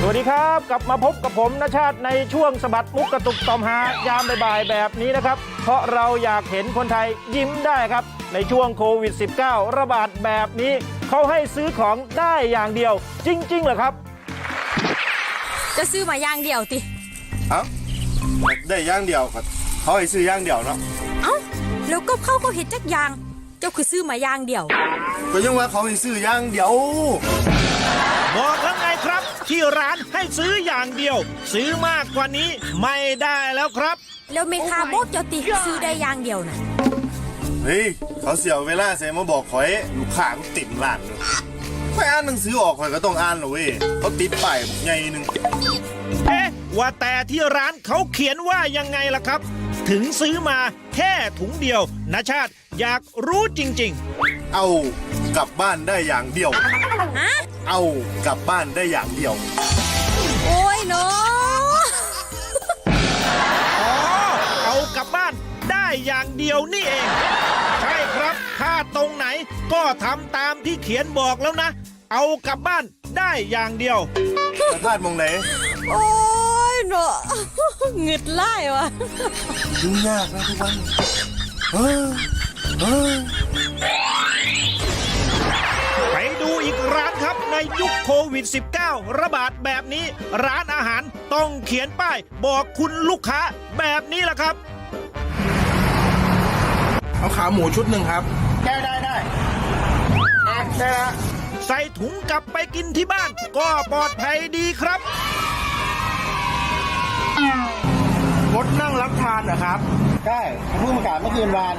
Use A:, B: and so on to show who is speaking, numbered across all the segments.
A: สวัสดีครับกลับมาพบกับผมณชาติในช่วงสะบัดมุกกระตุกต่อมหายามบ่ายๆแบบนี้นะครับเพราะเราอยากเห็นคนไทยยิ้มได้ครับในช่วงโควิด -19 ระบาดแบบนี้เขาให้ซื้อของได้อย่างเดียวจริงๆเหรอครับ
B: จะซื้อมาอย่างเดียวติ
C: เอ้าได้อย่างเดียวครับเขาให้ซื้ออย่างเดียวเนาะ
B: เอ้าแล้วก็เขาเห็นจักอย่างเจ้าคือซื้อมาอย่างเดียว
C: ก็ยังว่าเขาให้ซื้ออย่างเดียว
A: บอกแล้วไงครับที่ร้านให้ซื้ออย่างเดียวซื้อมากกว่านี้ไม่ได้แล้วครับ
B: แล้วเมคาบอกเจ้าติซื้อได้อย่างเดียวน่ะ
C: เฮ้ยเขาเสียเวลาใส่มาบอกข่อยลูกค้าก็ติดร้านเลยไม่อ่านหนังสือออกข่อยก็ต้องอ่านหรอเว้ยเขาติดป้ายบอกใหญ่นึง
A: ว่าแต่ที่ร้านเขาเขียนว่ายังไงล่ะครับถึงซื้อมาแค่ถุงเดียวณชาติอยากรู้จริง
C: ๆเอากลับบ้านได้อย่างเดียวเอากลับบ้านได้อย่างเดียว
B: โอ้ยเนาะ
A: อ๋อเอากลับบ้านได้อย่างเดียวนี่เองใช่ครับถ้าตรงไหนก็ทำตามที่เขียนบอกแล้วนะเอากลับบ้านได้อย่างเดียว
C: พลาดมองไหน
B: โอ้ยเนาะหงึดไล่วะ
C: ยุ่งยากนะทุกวัน
A: ไปดูอีกร้านครับในยุคโควิด -19 ระบาดแบบนี้ร้านอาหารต้องเขียนป้ายบอกคุณลูกค้าแบบนี้ล่ะครับ
C: เอาขาหมูชุดหนึ่งครับได้ละ
A: ใส่ถุงกลับไปกินที่บ้านก็ปลอดภัยดีครับ
C: งดนั่งรับทานนะครับได้เพิ่งประกาศเมื่อคืนวาน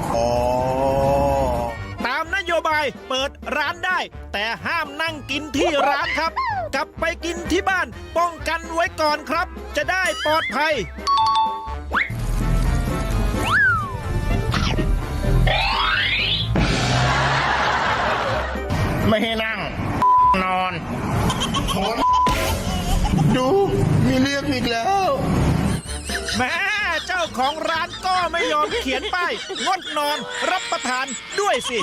A: ตามนโยบายเปิดร้านได้แต่ห้ามนั่งกินที่ร้านครับกลับไปกินที่บ้านป้องกันไว้ก่อนครับจะได้ปลอดภัย
C: ไม่ให้นั่งนอนดูมีเรียกอีกแล้ว
A: แม่เจ้าของร้านก็ไม่ยอมเขียนป้ายงดนอนรับประทานด้วยสิ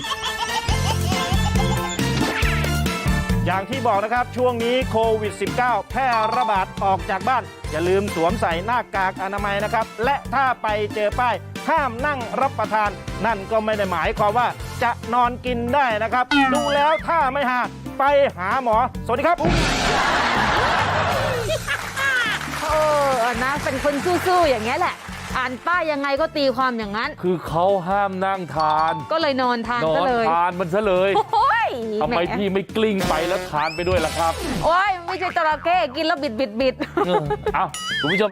A: อย่างที่บอกนะครับช่วงนี้โควิด -19 แพร่ระบาดออกจากบ้านอย่าลืมสวมใส่หน้ากากอนามัยนะครับและถ้าไปเจอป้ายห้ามนั่งรับประทานนั่นก็ไม่ได้หมายความว่าจะนอนกินได้นะครับดูแล้วถ้าไม่หาไปหาหมอสวัสดีครับ
D: นะเป็นคนสู้ๆอย่างเงี้ยแหละอ่านป้ายยังไงก็ตีความอย่างนั้น
E: คือเขาห้ามนั่งทาน
D: ก็เลยนอนทานซะเลย
E: นอนทานมันซะเลยทำไมพี่ไม่กลิ้งไปแล้วทานไปด้วยล่ะครับ
D: โอ้ยไม่ใช่จระเข้กินแล้วบิด
E: เอ้าคุณผู้ชม